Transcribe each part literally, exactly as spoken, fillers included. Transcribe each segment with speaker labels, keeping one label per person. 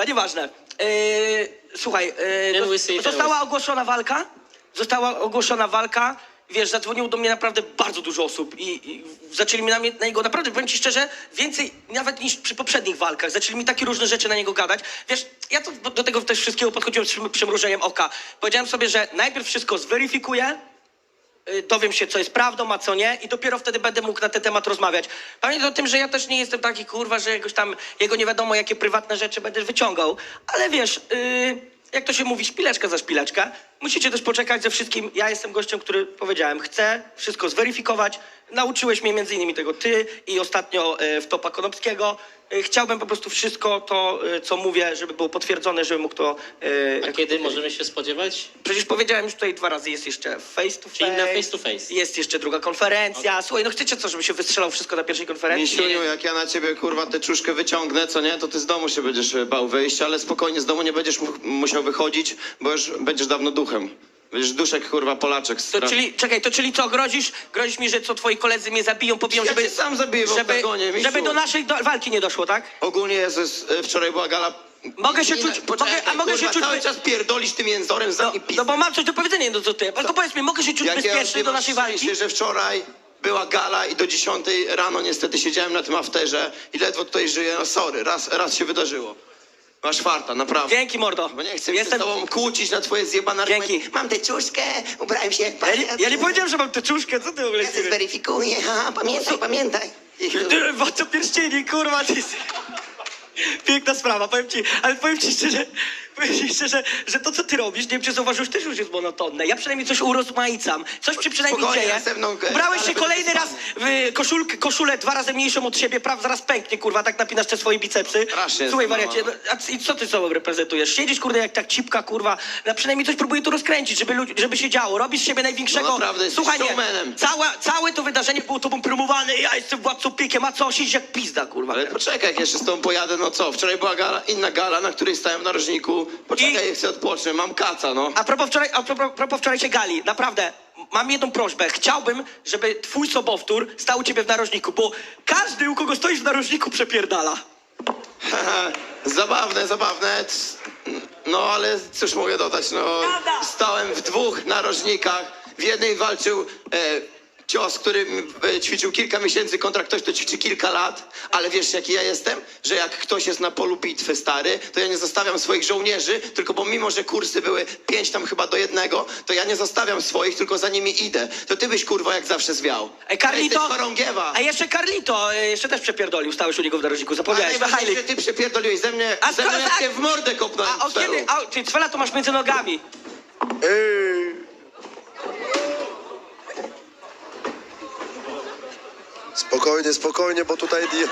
Speaker 1: dobra, nieważne. Yy, słuchaj, yy, została ogłoszona walka, została ogłoszona walka, wiesz, zadzwoniło do mnie naprawdę bardzo dużo osób i, i zaczęli mi na, mnie, na niego, naprawdę, powiem ci szczerze, więcej nawet niż przy poprzednich walkach. Zaczęli mi takie różne rzeczy na niego gadać. Wiesz, ja to, do tego też wszystkiego podchodziłem z przymrużeniem oka. Powiedziałem sobie, że najpierw wszystko zweryfikuję, yy, dowiem się, co jest prawdą, a co nie i dopiero wtedy będę mógł na ten temat rozmawiać. Pamiętaj o tym, że ja też nie jestem taki, kurwa, że jakoś tam jego nie wiadomo, jakie prywatne rzeczy będę wyciągał, ale wiesz... Yy, jak to się mówi, szpileczka za szpileczkę. Musicie też poczekać ze wszystkim. Ja jestem gościem, który powiedziałem, chcę wszystko zweryfikować. Nauczyłeś mnie między innymi tego ty i ostatnio e, w Topa Konopskiego. E, chciałbym po prostu wszystko to, e, co mówię, żeby było potwierdzone, żeby mógł to... E,
Speaker 2: A kiedy możemy się spodziewać?
Speaker 1: Przecież powiedziałem już tutaj dwa razy, jest jeszcze face to face.
Speaker 2: Czyli na face to face.
Speaker 1: Jest jeszcze druga konferencja. Okay. Słuchaj, no chcecie co, żeby się wystrzelał wszystko na pierwszej konferencji?
Speaker 3: Misiuniu, jak ja na ciebie, kurwa, tę czuszkę wyciągnę, co nie, to ty z domu się będziesz bał wyjść, ale spokojnie, z domu nie będziesz mu musiał wychodzić, bo już będziesz dawno duchem. Będziesz duszek, kurwa, Polaczek.
Speaker 1: To czyli, czekaj, to czyli co, grozisz? Grozisz mi, że co, twoi koledzy mnie zabiją, pobiją,
Speaker 3: Ja
Speaker 1: żeby...
Speaker 3: cię sam zabiję w
Speaker 1: żeby,
Speaker 3: oktagonie, Misiu.
Speaker 1: żeby do naszej do, walki nie doszło, tak?
Speaker 3: Ogólnie Jezus, e, wczoraj była gala...
Speaker 1: Mogę się
Speaker 3: Nie,
Speaker 1: czuć-
Speaker 3: Poczekaj,
Speaker 1: mogę- a mogę
Speaker 3: kurwa,
Speaker 1: się czuć-
Speaker 3: cały czas pierdolisz tym jęzorem,
Speaker 1: No,
Speaker 3: zamknij pizdę.
Speaker 1: no bo mam coś do powiedzenia, no to ty. Tylko powiedz mi, mogę się czuć bezpieczny do naszej walki?
Speaker 3: Szczęście, że wczoraj była gala i do dziesiątej rano niestety siedziałem na tym afterze i ledwo tutaj żyję. No sorry, raz, raz się wydarzyło. Masz farta, naprawdę.
Speaker 1: Dzięki, mordo.
Speaker 3: Bo nie chcę się
Speaker 1: Jestem...
Speaker 3: z tobą kłócić na twoje zjebane
Speaker 1: Dzięki.
Speaker 3: argumenty. Mam tę czuszkę, ubrałem się jak
Speaker 1: Ja nie, ja nie powiedziałem, że mam teczuszkę, co ty w ogóle
Speaker 3: Ja to zweryfikuję, ha, pamiętaj, pamiętaj.
Speaker 1: Ty, co pierścieni, kurwa, ty... Piękna sprawa, powiem ci, ale powiem ci szczerze, powiem ci szczerze, że to, co ty robisz, nie wiem, czy zauważyłeś, też już jest monotonne. Ja przynajmniej coś urozmaicam, coś ci przynajmniej
Speaker 3: Spokojnie,
Speaker 1: dzieje.
Speaker 3: następną, e,
Speaker 1: Ubrałeś
Speaker 3: ale
Speaker 1: się
Speaker 3: to
Speaker 1: kolejny
Speaker 3: jest
Speaker 1: raz w koszulkę, koszulę dwa razy mniejszą od siebie, praw zaraz pęknie, kurwa, tak napinasz te swoje bicepsy.
Speaker 3: Strasznie
Speaker 1: Słuchaj,
Speaker 3: jest,
Speaker 1: wariacie,
Speaker 3: no.
Speaker 1: no, a c- i co ty sobą reprezentujesz? Siedzisz, kurde, jak tak cipka, kurwa, no, przynajmniej coś próbuję tu rozkręcić, żeby, ludzi- żeby się działo. Robisz z siebie największego...
Speaker 3: No naprawdę, jesteś
Speaker 1: Słuchaj, nie,
Speaker 3: showmanem.
Speaker 1: całe, całe to wydarzenie było tobą promowane, ja jestem władcą piekiem, a co, siedzisz jak pizda, kurwa.
Speaker 3: Ale poczekaj, jak jeszcze z tobą pojadę, no co? Wczoraj była gala, inna gala, na której stałem w narożniku. Poczekaj,
Speaker 1: I-
Speaker 3: chcę odpocząć, mam kaca, no.
Speaker 1: A propos, wczoraj, a propos, propos wczorajszej gali, naprawdę, mam jedną prośbę. Chciałbym, żeby twój sobowtór stał u ciebie w narożniku, bo każdy, u kogo stoisz w narożniku, przepierdala.
Speaker 3: Zabawne, zabawne. C- No ale cóż mogę dodać, no.
Speaker 1: Prawda.
Speaker 3: Stałem w dwóch narożnikach. W jednej walczył e, cios, który e, ćwiczył kilka miesięcy kontra ktoś, kto ćwiczy kilka lat. Ale wiesz, jaki ja jestem? Że jak ktoś jest na polu bitwy, stary, to ja nie zostawiam swoich żołnierzy, tylko bo mimo, że kursy były pięć tam chyba do jednego, to ja nie zostawiam swoich, tylko za nimi idę. To ty byś, kurwa, jak zawsze zwiał.
Speaker 1: Ej, Carlito,
Speaker 3: Jesteś chorągiewa.
Speaker 1: a jeszcze Carlito, e, jeszcze też przepierdolił, stałeś u niego w narożniku,
Speaker 3: A
Speaker 1: zapomniałeś.
Speaker 3: najważniejsze, że ty przepierdoliłeś ze mnie,
Speaker 1: A
Speaker 3: ze mnie
Speaker 1: skoro
Speaker 3: jak
Speaker 1: tak-
Speaker 3: cię w mordę kopnąłem.
Speaker 1: A o
Speaker 3: Cfelu.
Speaker 1: kiedy, a, czyli cwela to masz między nogami.
Speaker 4: Ej. Spokojnie, spokojnie, bo tutaj... di-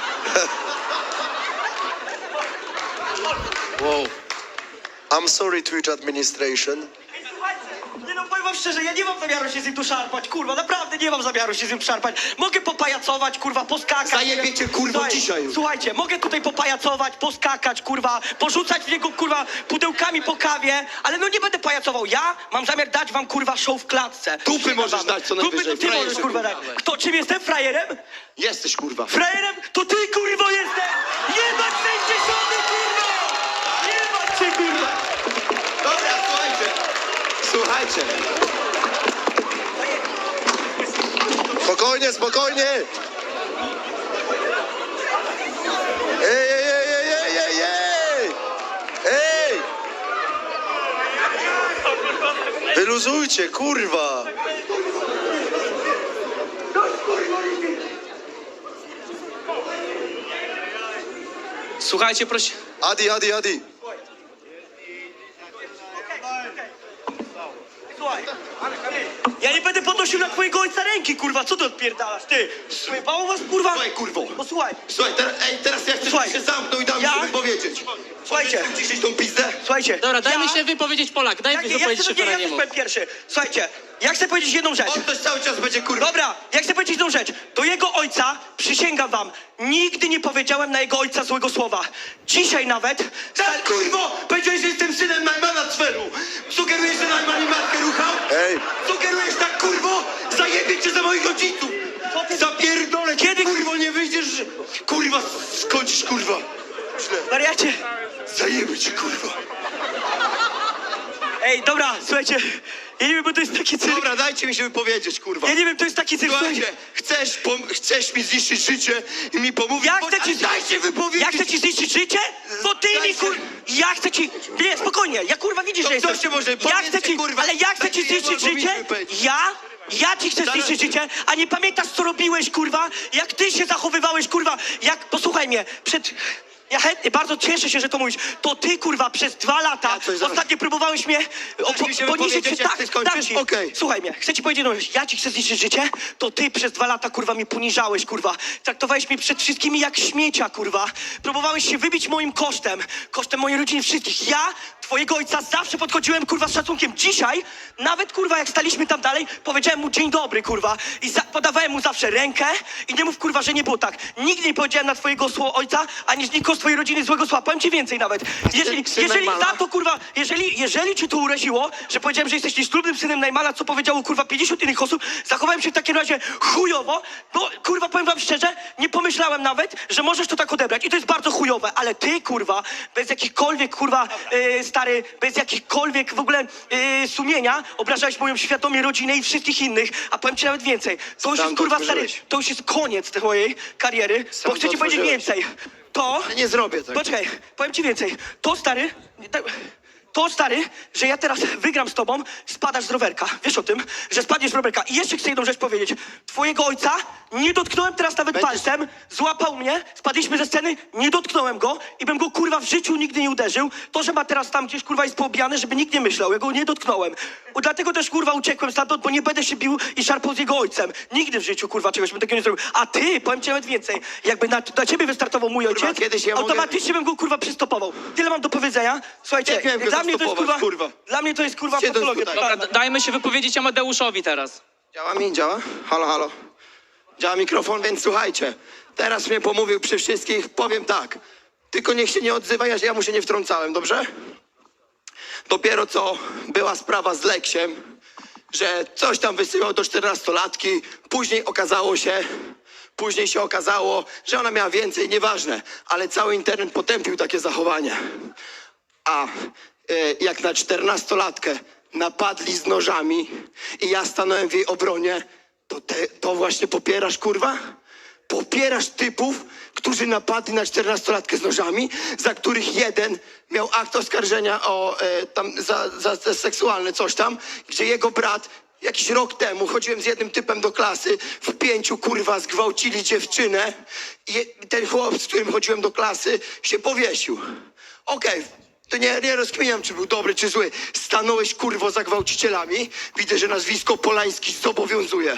Speaker 3: Wow.
Speaker 4: I'm sorry, Twitch administration.
Speaker 1: Nie no, powiem wam szczerze, ja nie mam zamiaru się z nim tu szarpać, kurwa, naprawdę nie mam zamiaru się z nim tu szarpać. Mogę popajacować, kurwa, poskakać.
Speaker 3: Zajebie
Speaker 1: nie wiem.
Speaker 3: cię, kurwo,
Speaker 1: Słuchaj,
Speaker 3: dzisiaj już.
Speaker 1: Słuchajcie, mogę tutaj popajacować, poskakać, kurwa, porzucać w niego, kurwa, pudełkami po kawie, ale no nie będę pajacował. Ja mam zamiar dać wam, kurwa, show w klatce.
Speaker 3: Dupy możesz dać co
Speaker 1: Dupy
Speaker 3: najwyżej,
Speaker 1: to ty
Speaker 3: frajerze,
Speaker 1: możesz, kurwa, dać.
Speaker 3: kurwa.
Speaker 1: Kto, czym jestem? Frajerem?
Speaker 3: Jesteś, kurwa.
Speaker 1: Frajerem? To ty, kurwo, jestem! Jebać sędziesiąty, kurwa! Jebać cię, kurwa!
Speaker 3: Dobra, słuchajcie. Słuchajcie.
Speaker 4: Spokojnie, spokojnie! Ej, ej, ej, ej, ej, ej, ej! Ej! Wyluzujcie, kurwa!
Speaker 1: Słuchajcie, proszę.
Speaker 4: Adi, Adi, Adi!
Speaker 1: Słuchaj, ja nie będę podnosił na twojego ojca ręki, kurwa, co ty odpierdalasz, ty? Słybało was, kurwa?
Speaker 3: Słuchaj, kurwo.
Speaker 1: Posłuchaj,
Speaker 3: Słuchaj, teraz, ej, teraz ja chcę,
Speaker 1: Słuchaj.
Speaker 3: żebyś się zamknął i dał mi
Speaker 1: Ja?
Speaker 3: sobie powiedzieć.
Speaker 1: Słuchajcie.
Speaker 3: Chcesz uciszyć tą pizdę?
Speaker 1: słuchajcie.
Speaker 2: Dobra, dajmy
Speaker 1: ja...
Speaker 2: się wypowiedzieć Polak, dajmy
Speaker 1: Ja,
Speaker 2: się
Speaker 1: ja,
Speaker 2: wypowiedzieć
Speaker 1: chcę, nie, ja też
Speaker 2: Szeferaniemu.
Speaker 1: powiem pierwszy. Słuchajcie, ja chcę powiedzieć jedną rzecz.
Speaker 3: On też cały czas będzie, kurwa.
Speaker 1: Dobra, ja chcę powiedzieć jedną rzecz. Do jego ojca, przysięgam wam, nigdy nie powiedziałem na jego ojca złego słowa. Dzisiaj nawet...
Speaker 3: Tak, kurwo! Powiedziałeś, że jestem synem Najmana Cfelu. Sugerujesz, że Najman mi matkę ruchał?
Speaker 4: Ej!
Speaker 3: Sugerujesz tak, kurwo? Zajebie cię za moich rodziców!
Speaker 1: Co ty-
Speaker 3: Zapierdolę cię,
Speaker 1: Kiedy-
Speaker 3: kurwo, nie wyjdziesz, że... Kurwa, skończysz, kurwa.
Speaker 4: Źle.
Speaker 1: Wariacie.
Speaker 4: Zajemy cię, kurwa.
Speaker 1: Ej, dobra, słuchajcie. Ja nie wiem, bo to jest taki cyrk.
Speaker 4: Dobra, dajcie mi się wypowiedzieć, kurwa.
Speaker 1: Ja nie wiem, to jest taki cyrk.
Speaker 4: Słuchajcie, chcesz, pom- chcesz mi zniszczyć życie i mi pomówić?
Speaker 1: Ja
Speaker 4: Bo-
Speaker 1: chcę ci...
Speaker 4: Dajcie wypowiedzieć!
Speaker 1: Ja chcę ci zniszczyć życie? To ty mi
Speaker 4: Dajcie-
Speaker 1: kur... Ja chcę ci... Nie, spokojnie, ja kurwa widzisz,
Speaker 4: To
Speaker 1: że
Speaker 4: kto
Speaker 1: jestem...
Speaker 4: się może-
Speaker 1: Ja
Speaker 4: powiedzcie,
Speaker 1: chcę ci...
Speaker 4: kurwa,
Speaker 1: Ale ja chcę ci
Speaker 4: dajcie
Speaker 1: zniszczyć
Speaker 4: jedno,
Speaker 1: życie?
Speaker 4: powinniśmy powiedzieć.
Speaker 1: Ja? Ja ci chcę
Speaker 4: Zaraz-
Speaker 1: zniszczyć życie? A nie pamiętasz, co robiłeś, kurwa? Jak ty się zachowywałeś, kurwa? Jak... Posłuchaj mnie, przed... Ja chętnie, bardzo cieszę się, że to mówisz. To ty, kurwa, przez dwa lata
Speaker 4: Ja coś zaraz-
Speaker 1: ostatnio próbowałeś mnie o,
Speaker 4: mi się
Speaker 1: poniżyć
Speaker 4: wypowiedzieć,
Speaker 1: się.
Speaker 4: jak
Speaker 1: Tak,
Speaker 4: ty skończysz?
Speaker 1: dam ci.
Speaker 4: Okej.
Speaker 1: Słuchaj mnie, chcę ci powiedzieć jedną rzecz. Ja ci chcę zniszczyć życie, to ty przez dwa lata, kurwa, mnie poniżałeś, kurwa. Traktowałeś mnie przed wszystkimi jak śmiecia, kurwa. Próbowałeś się wybić moim kosztem. Kosztem mojej rodziny, wszystkich. Ja, twojego ojca, zawsze podchodziłem, kurwa, z szacunkiem. Dzisiaj, nawet, kurwa, jak staliśmy tam dalej, powiedziałem mu dzień dobry, kurwa. I za- podawałem mu zawsze rękę i nie mów, kurwa, że nie było tak. Nigdy nie powiedziałem na twojego sło- ojca, ani z nikogo z twojej rodziny złego słowa. Powiem ci więcej nawet. Jeżeli,
Speaker 4: syn
Speaker 1: jeżeli
Speaker 4: Najmana?
Speaker 1: za to, kurwa, jeżeli, jeżeli ci to uraziło, że powiedziałem, że jesteś nieślubnym synem Najmana, co powiedziało, kurwa, pięćdziesiąt innych osób, zachowałem się w takim razie chujowo, bo, kurwa, powiem wam szczerze, nie pomyślałem nawet, że możesz to tak odebrać. I to jest bardzo chujowe, ale ty, kurwa, bez jakichkolwiek, kurwa, e, stary, bez jakichkolwiek w ogóle e, sumienia, obrażałeś moją świadomie rodzinę i wszystkich innych, a powiem ci nawet więcej. To już
Speaker 4: Sam
Speaker 1: jest,
Speaker 4: to
Speaker 1: kurwa, stary,
Speaker 4: otworzyłeś.
Speaker 1: to już jest koniec tej mojej kariery,
Speaker 4: Sam
Speaker 1: bo chcę
Speaker 4: to
Speaker 1: ci powiedzieć
Speaker 4: otworzyłeś.
Speaker 1: więcej. To...
Speaker 4: Ja nie zrobię tego.
Speaker 1: Poczekaj, powiem ci więcej. To, stary, tak- to, stary, że ja teraz wygram z tobą, spadasz z rowerka. Wiesz o tym, że spadniesz z rowerka. I jeszcze chcę jedną rzecz powiedzieć. Twojego ojca nie dotknąłem teraz nawet
Speaker 4: Będziesz-
Speaker 1: palcem, złapał mnie, spadliśmy ze sceny, nie dotknąłem go i bym go, kurwa, w życiu nigdy nie uderzył. To, że ma teraz tam gdzieś, kurwa, jest poobijany, żeby nikt nie myślał. Ja go nie dotknąłem. O, dlatego też, kurwa, uciekłem stamtąd, bo nie będę się bił i szarpał z jego ojcem. Nigdy w życiu, kurwa, czegoś bym takiego nie zrobił. A ty, powiem ci nawet więcej, jakby na, na ciebie wystartował mój
Speaker 4: Kurwa,
Speaker 1: ojciec,
Speaker 4: kiedyś ja mogę-
Speaker 1: automatycznie bym go, kurwa, przystopował. Tyle mam do powiedzenia. Słuchajcie,
Speaker 4: Jak miałem go
Speaker 1: dla mnie to jest, kurwa,
Speaker 4: zastopować, kurwa?
Speaker 1: dla mnie to jest, kurwa,
Speaker 4: Siedząc
Speaker 1: patologia.
Speaker 4: tutaj.
Speaker 1: totalna.
Speaker 2: Dobra, dajmy się wypowiedzieć Amadeuszowi teraz.
Speaker 3: Działa mi? Działa? Halo, halo. Działa mikrofon, więc słuchajcie. Teraz mnie pomówił przy wszystkich. Powiem tak. Tylko niech się nie odzywa, ja, ja mu się nie wtrącałem, dobrze? Dopiero co była sprawa z Leksiem, że coś tam wysyłał do czternastolatki. Później okazało się, później się okazało, że ona miała więcej, nieważne. Ale cały internet potępił takie zachowanie. A e, jak na czternastolatkę napadli z nożami i ja stanąłem w jej obronie, to te, to właśnie popierasz, kurwa? Popierasz typów, którzy napadli na czternastolatkę z nożami, za których jeden miał akt oskarżenia o e, tam za, za, za seksualne coś tam, gdzie jego brat jakiś rok temu chodziłem z jednym typem do klasy, w pięciu, kurwa, zgwałcili dziewczynę i ten chłop, z którym chodziłem do klasy, się powiesił. Okej, to nie, nie rozkminiam, czy był dobry, czy zły. Stanąłeś, kurwo, za gwałcicielami. Widzę, że nazwisko Polański zobowiązuje.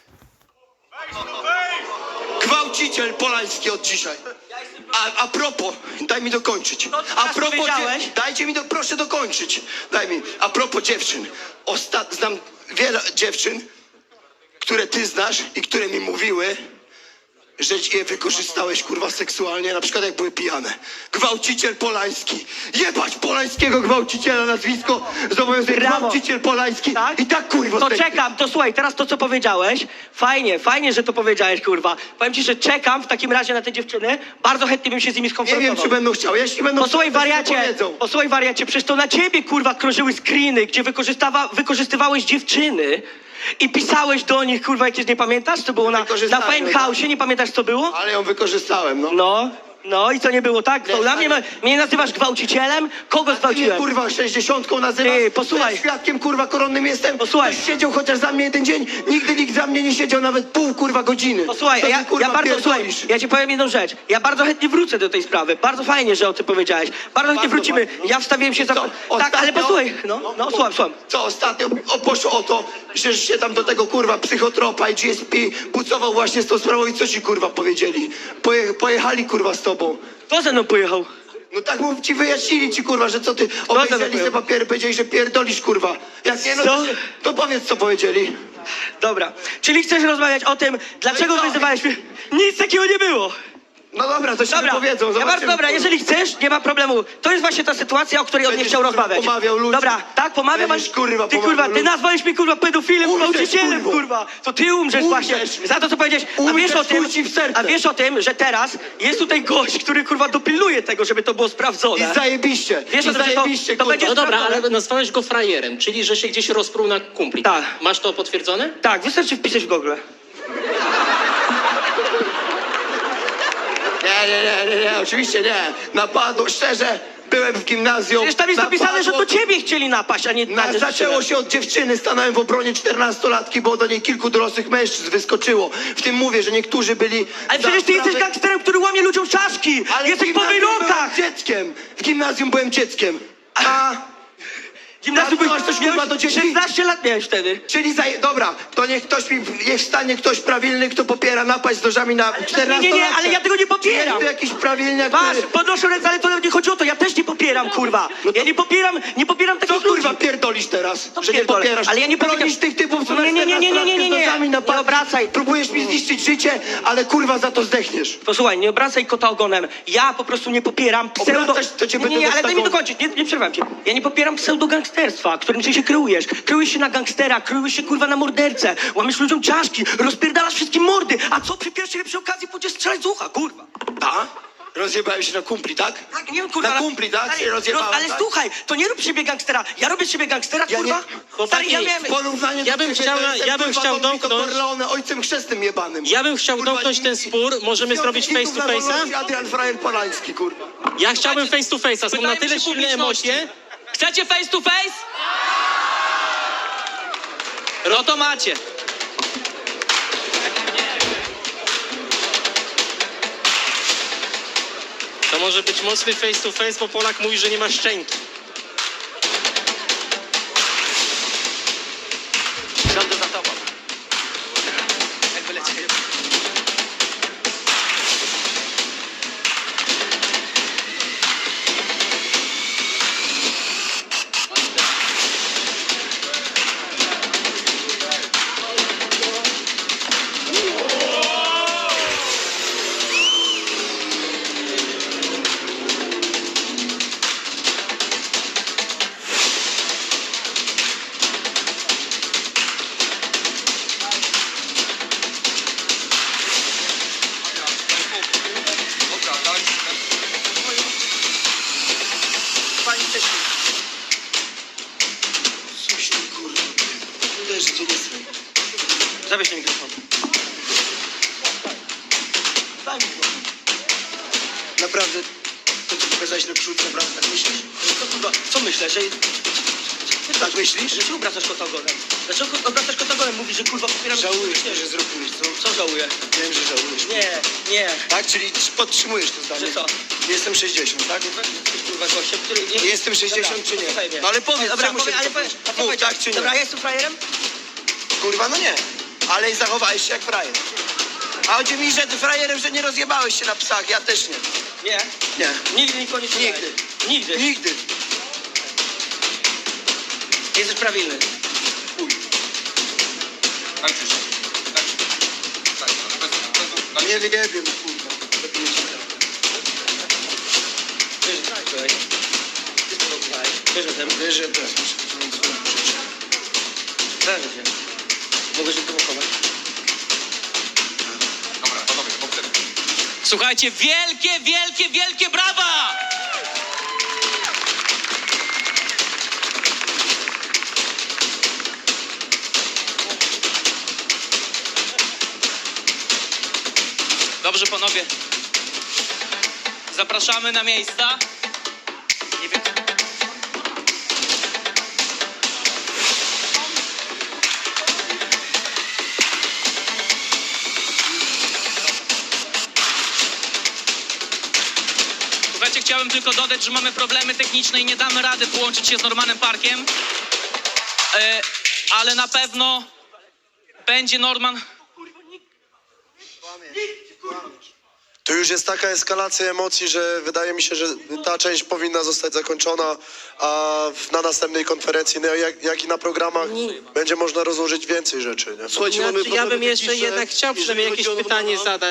Speaker 3: Gwałciciel Polański od dzisiaj. A, a propos, daj mi dokończyć.
Speaker 1: To, co
Speaker 3: A
Speaker 1: teraz
Speaker 3: propos,
Speaker 1: powiedziałeś?
Speaker 3: dzie- dajcie mi, do, proszę dokończyć. Daj mi. A propos dziewczyn. Ostat, znam wiele dziewczyn, które ty znasz i które mi mówiły, że je wykorzystałeś, kurwa, seksualnie, na przykład jak były pijane. Gwałciciel Polański. Jebać Polańskiego gwałciciela, nazwisko zobowiązuje.
Speaker 1: Brawo.
Speaker 3: Gwałciciel Polański.
Speaker 1: Tak?
Speaker 3: I tak, kurwa,
Speaker 1: To
Speaker 3: zdejmij.
Speaker 1: czekam, to słuchaj, teraz to, co powiedziałeś, fajnie, fajnie, że to powiedziałeś, kurwa. Powiem ci, że czekam w takim razie na te dziewczyny, bardzo chętnie bym się z nimi
Speaker 3: Nie
Speaker 1: skonfrontował.
Speaker 3: wiem, czy będą chciały. Jeśli będą
Speaker 1: Posłuchaj,
Speaker 3: chciały, to się
Speaker 1: wariacie,
Speaker 3: wypowiedzą.
Speaker 1: posłuchaj, wariacie, przecież to na ciebie, kurwa, krążyły screeny, gdzie wykorzystawa, wykorzystywałeś dziewczyny i pisałeś do nich, kurwa, jakieś, nie pamiętasz? To było na, na
Speaker 3: Wykorzystałem,
Speaker 1: Fame House, nie pamiętasz, co było?
Speaker 3: Ale ją wykorzystałem, no.
Speaker 1: No, no i co nie było, tak? To
Speaker 3: Nie,
Speaker 1: dla mnie,
Speaker 3: ale-
Speaker 1: mnie nazywasz gwałcicielem? Kogo
Speaker 3: Ty mnie,
Speaker 1: zgwałciłem?
Speaker 3: kurwa, sześćdziesiątką nazywasz?
Speaker 1: Ty, posłuchaj.
Speaker 3: Ja świadkiem, kurwa, koronnym jestem.
Speaker 1: Posłuchaj.
Speaker 3: Ktoś siedział chociaż za mnie jeden dzień. Nigdy nikt za mnie nie siedział nawet pół, kurwa, godziny.
Speaker 1: Posłuchaj,
Speaker 3: Co ty,
Speaker 1: ja,
Speaker 3: kurwa,
Speaker 1: ja bardzo, słuchaj,
Speaker 3: pierdolisz?
Speaker 1: ja ci powiem jedną rzecz. Ja bardzo chętnie wrócę do tej sprawy. Bardzo fajnie, że o tym powiedziałeś. Bardzo chętnie
Speaker 3: Bardzo
Speaker 1: wrócimy.
Speaker 3: fajnie, no.
Speaker 1: Ja wstawiłem się za...
Speaker 3: Co,
Speaker 1: Tak,
Speaker 3: ostatnio-
Speaker 1: ale posłuchaj, no, no, słucham, słucham.
Speaker 3: Co ostatnio o, poszło o to, że się tam do tego, kurwa, psychotropa i G S P pucował właśnie z tą sprawą i co ci, kurwa, powiedzieli? Poje, pojechali, kurwa, z tobą.
Speaker 1: Kto ze mną pojechał?
Speaker 3: No tak mów, ci wyjaśnili ci, kurwa, że co ty
Speaker 1: za
Speaker 3: obejrzeli
Speaker 1: to
Speaker 3: te papiery, powiedzieli, że pierdolisz, kurwa. Jak nie, no to,
Speaker 1: Co?
Speaker 3: to powiedz, co powiedzieli.
Speaker 1: Dobra. Czyli chcesz rozmawiać o tym, dlaczego
Speaker 3: No i co?
Speaker 1: wyzywałeś mnie? Nic takiego nie było.
Speaker 3: No dobra, to się
Speaker 1: Dobra,
Speaker 3: wypowiedzą,
Speaker 1: ja
Speaker 3: zobaczymy.
Speaker 1: bardzo dobra, jeżeli chcesz, nie ma problemu. To jest właśnie ta sytuacja, o której on nie
Speaker 3: Będziesz,
Speaker 1: chciał
Speaker 3: kurwa,
Speaker 1: rozmawiać.
Speaker 3: pomawiał ludzi.
Speaker 1: Dobra, tak, pomawiam,
Speaker 3: Będziesz, kurwa,
Speaker 1: ty
Speaker 3: pomawiał
Speaker 1: kurwa, ty
Speaker 3: ludzi.
Speaker 1: nazwałeś mnie kurwa pedofilem,
Speaker 3: Umrzesz,
Speaker 1: gwałcicielem,
Speaker 3: kurwo.
Speaker 1: kurwa. To ty umrzesz,
Speaker 3: Umrzesz.
Speaker 1: właśnie. Za to, co powiedziałeś. A
Speaker 3: Umrzesz,
Speaker 1: wiesz o tym,
Speaker 3: chuj ci w serce.
Speaker 1: a wiesz o tym, że teraz jest tutaj gość, który kurwa dopilnuje tego, żeby to było sprawdzone.
Speaker 3: I zajebiście,
Speaker 1: Wiesz
Speaker 3: i
Speaker 1: o tym, że to-
Speaker 3: zajebiście,
Speaker 1: to
Speaker 3: kurwa.
Speaker 1: będzie-
Speaker 5: No dobra,
Speaker 1: sprawdzone.
Speaker 5: ale nazwałeś go frajerem, czyli że się gdzieś rozpruł na kumpli.
Speaker 1: Tak.
Speaker 5: Masz to potwierdzone?
Speaker 1: Tak, wystarczy wpisać w Google.
Speaker 3: Nie, nie, nie, nie, nie, oczywiście nie. Napadło, szczerze, byłem w gimnazjum.
Speaker 1: Przecież tam jest napisane, że to
Speaker 3: napadło-
Speaker 1: ciebie chcieli napaść, a nie
Speaker 3: Na,
Speaker 1: na
Speaker 3: zaczęło się od dziewczyny, stanąłem w obronie czternastolatki, bo do niej kilku dorosłych mężczyzn wyskoczyło. W tym mówię, że niektórzy byli...
Speaker 1: Ale
Speaker 3: za
Speaker 1: przecież ty jesteś
Speaker 3: sprawę-
Speaker 1: gangsterem, który łamie ludziom czaszki!
Speaker 3: Ale
Speaker 1: Jesteś
Speaker 3: w
Speaker 1: po
Speaker 3: gimnazjum
Speaker 1: wyrokach!
Speaker 3: byłem dzieckiem! W gimnazjum byłem dzieckiem. A...
Speaker 1: Gimnazjum
Speaker 3: A
Speaker 1: byłeś
Speaker 3: masz coś, kurwa, do dzieci?
Speaker 1: szesnaście lat miałeś wtedy.
Speaker 3: Czyli za... Dobra, to niech ktoś mi... Niech wstanie ktoś prawilny, kto popiera napaść z nożami na czternastolatkę.
Speaker 1: Nie, nie, nie, ale ja tego nie popieram.
Speaker 3: Jest tu jakiś prawilniak,
Speaker 1: Masz,
Speaker 3: który...
Speaker 1: podnoszę ręce, ale to nawet nie chodzi o to, ja też nie popieram, kurwa. Ja nie popieram, nie popieram
Speaker 3: Co
Speaker 1: takich
Speaker 3: kurwa
Speaker 1: ludzi.
Speaker 3: pierdolisz teraz?
Speaker 1: Co
Speaker 3: że nie
Speaker 1: pierdolę?
Speaker 3: popierasz?
Speaker 1: Ale ja nie
Speaker 3: bronisz
Speaker 1: powiedziałem-
Speaker 3: tych typów, co
Speaker 1: Nie, nie, nie, nie, nie, nie, nie, nie.
Speaker 3: z nożami na
Speaker 1: Nie
Speaker 3: palcach.
Speaker 1: obracaj.
Speaker 3: Próbujesz mi zniszczyć życie, ale kurwa za to zdechniesz.
Speaker 1: Posłuchaj, nie obracaj kota ogonem. Ja po prostu nie popieram pseudo...
Speaker 3: Obracać, to cię
Speaker 1: nie, nie,
Speaker 3: będę
Speaker 1: nie, ale daj mi
Speaker 3: taką-
Speaker 1: dokończyć, nie, nie przerwam cię. Ja nie popieram pseudogangsterstwa, którym ty się kryjesz. Kryjesz się na gangstera, kryjesz się kurwa na mordercę, łamiesz ludziom czaszki, rozpierdalasz wszystkim mordy. A co przy pierwszej lepszej okazji pójdziesz strzelać z ucha, kurwa?
Speaker 3: Tak? Rozjebałem się na kumpli, tak?
Speaker 1: Tak, nie wiem, kurwa.
Speaker 3: Na
Speaker 1: ale-
Speaker 3: kumpli, tak?
Speaker 1: Ale,
Speaker 3: Się rozjebałem,
Speaker 1: ale
Speaker 3: tak?
Speaker 1: słuchaj, to nie rób z siebie gangstera. Ja robię z siebie gangstera,
Speaker 3: Ja
Speaker 1: kurwa.
Speaker 3: nie-
Speaker 1: Stary,
Speaker 5: Chłopaki,
Speaker 1: ja miałem...
Speaker 3: W porównaniu
Speaker 5: Ja
Speaker 3: do
Speaker 5: bym
Speaker 3: ciebie,
Speaker 5: chciał
Speaker 3: to
Speaker 5: na-
Speaker 3: jestem,
Speaker 5: ja bym
Speaker 3: kurwa,
Speaker 5: chciał
Speaker 3: Don Vito
Speaker 5: domknąć-
Speaker 3: Corleone, ojcem chrzestnym jebanym.
Speaker 5: Ja bym chciał
Speaker 3: Kurwa,
Speaker 5: domknąć ten
Speaker 3: i-
Speaker 5: spór, możemy zrobić face to face'a?
Speaker 3: Adrian Frajer Polański, kurwa.
Speaker 5: Ja chciałbym face to face'a, są na
Speaker 2: Pytajmy
Speaker 5: tyle
Speaker 2: się
Speaker 5: silne
Speaker 2: publiczności.
Speaker 5: emocje.
Speaker 2: Chcecie face to face? No to macie.
Speaker 5: To może być mocny face to face, bo Polak mówi, że nie ma szczęki.
Speaker 1: Siądę za tobą. Jakby lecieli. Pani też.
Speaker 3: Coś ty, kurwa. Uderzy cię nie słyszę.
Speaker 1: Zabierz ten mikrofon. Daj mi go.
Speaker 3: Naprawdę, to co pokazałeś na przód, naprawdę tak myślisz?
Speaker 1: Co, kurwa, co myślę, że...
Speaker 3: Tak myślisz?
Speaker 1: Dlaczego obracasz kota ogonem? Dlaczego obracasz kota ogonem? Mówisz, że kurwa popieram...
Speaker 3: Żałujesz to, że zrobiłeś, co?
Speaker 1: Co żałuję?
Speaker 3: Wiem, że żałujesz.
Speaker 1: Nie, nie.
Speaker 3: Tak? Czyli podtrzymujesz to zdanie?
Speaker 1: Że co?
Speaker 3: Jestem sześćdziesiąt, tak?
Speaker 1: Jesteś kurwa gościem, który... Nie...
Speaker 3: Jestem sześćdziesiąt
Speaker 1: Dobra,
Speaker 3: czy nie?
Speaker 1: posłuchaj mnie.
Speaker 3: No ale powiedz,
Speaker 1: Dobra,
Speaker 3: czemu
Speaker 1: powie,
Speaker 3: się
Speaker 1: ale
Speaker 3: wycofujesz?
Speaker 1: powiedz, a co
Speaker 3: Mów,
Speaker 1: powiedział?
Speaker 3: tak czy nie?
Speaker 1: Dobra, ja jestem frajerem?
Speaker 3: Kurwa, no nie. Ale zachowałeś się jak frajer. A chodzi mi, że ty frajerem, że nie rozjebałeś się na psach, ja też nie.
Speaker 1: Nie.
Speaker 3: Nie.
Speaker 1: Nigdy nikogo nie słuchaj.
Speaker 3: Nigdy.
Speaker 1: Nigdy.
Speaker 3: Nigdy.
Speaker 1: Jesteś prawilny.
Speaker 3: Nie wyjebię, kurwa.
Speaker 1: Wiesz, że tak, słuchaj. Ty sprowokowałeś. Wiesz o tym?
Speaker 3: Wiesz, że ja teraz muszę począć swoją rzecz.
Speaker 1: Zależy się. Mogę się prowokować.
Speaker 2: Słuchajcie, wielkie, wielkie, wielkie brawa! Dobrze, panowie. Zapraszamy na miejsca. Nie wiem. Słuchajcie, chciałem tylko dodać, że mamy problemy techniczne i nie damy rady połączyć się z Normanem Parkiem. E, ale na pewno będzie Norman.
Speaker 4: To już jest taka eskalacja emocji, że wydaje mi się, że ta część powinna zostać zakończona, a w- na następnej konferencji, no jak, jak i na programach, będzie można rozłożyć więcej rzeczy. Nie?
Speaker 3: Słuchajcie,
Speaker 5: Znaczy,
Speaker 3: mamy
Speaker 5: ja bym
Speaker 3: problemy
Speaker 5: jeszcze
Speaker 3: techniczne,
Speaker 5: jednak chciał
Speaker 3: jeżeli
Speaker 5: przynajmniej
Speaker 3: chodzi
Speaker 5: jakieś
Speaker 3: o
Speaker 5: pytanie
Speaker 3: Normana.
Speaker 5: zadać.